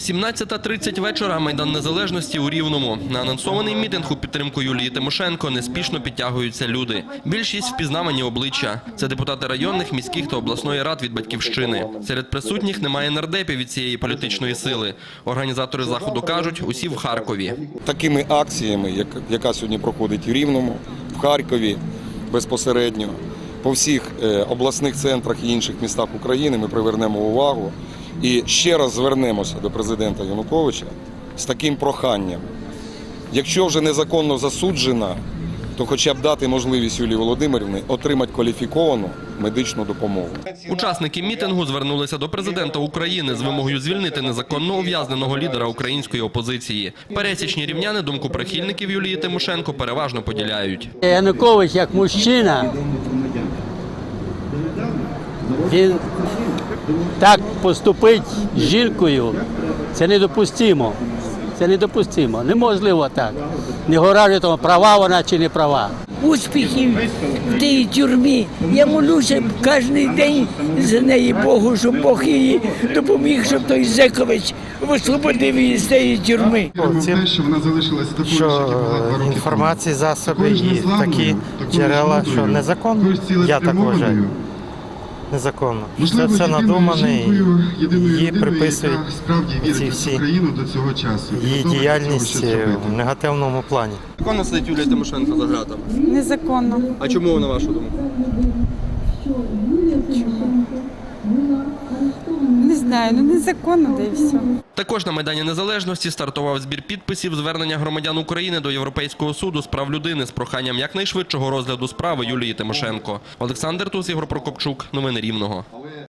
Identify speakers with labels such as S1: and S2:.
S1: 17:30 вечора. Майдан Незалежності у Рівному. На анонсований мітинг у підтримку Юлії Тимошенко неспішно підтягуються люди. Більшість впізнавані обличчя. Це депутати районних, міських та обласної рад від «Батьківщини». Серед присутніх немає нардепів від цієї політичної сили. Організатори заходу кажуть, усі в Харкові.
S2: Такими акціями, яка сьогодні проходить в Рівному, в Харкові безпосередньо, по всіх обласних центрах і інших містах України ми привернемо увагу і ще раз звернемося до президента Януковича з таким проханням. Якщо вже незаконно засуджена, то хоча б дати можливість Юлії Володимирівні отримати кваліфіковану медичну допомогу.
S1: Учасники мітингу звернулися до президента України з вимогою звільнити незаконно ув'язненого лідера української опозиції. Пересічні рівняни думку прихильників Юлії Тимошенко переважно поділяють.
S3: Янукович як мужчина, він так поступить з жінкою, це недопустимо. Це недопустимо. Неможливо так. Не говорять, тому права вона чи не права.
S4: Успіхів в тій тюрмі. Я молюся кожен день за неї Богу, щоб Бог їй допоміг, щоб той Зекович освободив її з цієї тюрми.
S5: Що інформації, засоби і такі джерела, що незаконно, я так вважаю. Незаконно. Це все надумане і її приписують ці всі її діяльність в негативному плані.
S1: Законно сидить Юлія Тимошенко за ґратами?
S6: Незаконно.
S1: А чому, на вашу думку?
S6: Не знаю, незаконно, да і все.
S1: Також на Майдані Незалежності стартував збір підписів звернення громадян України до Європейського суду з прав людини з проханням якнайшвидшого розгляду справи Юлії Тимошенко. Олександр Туз, Ігор Прокопчук. Новини Рівного.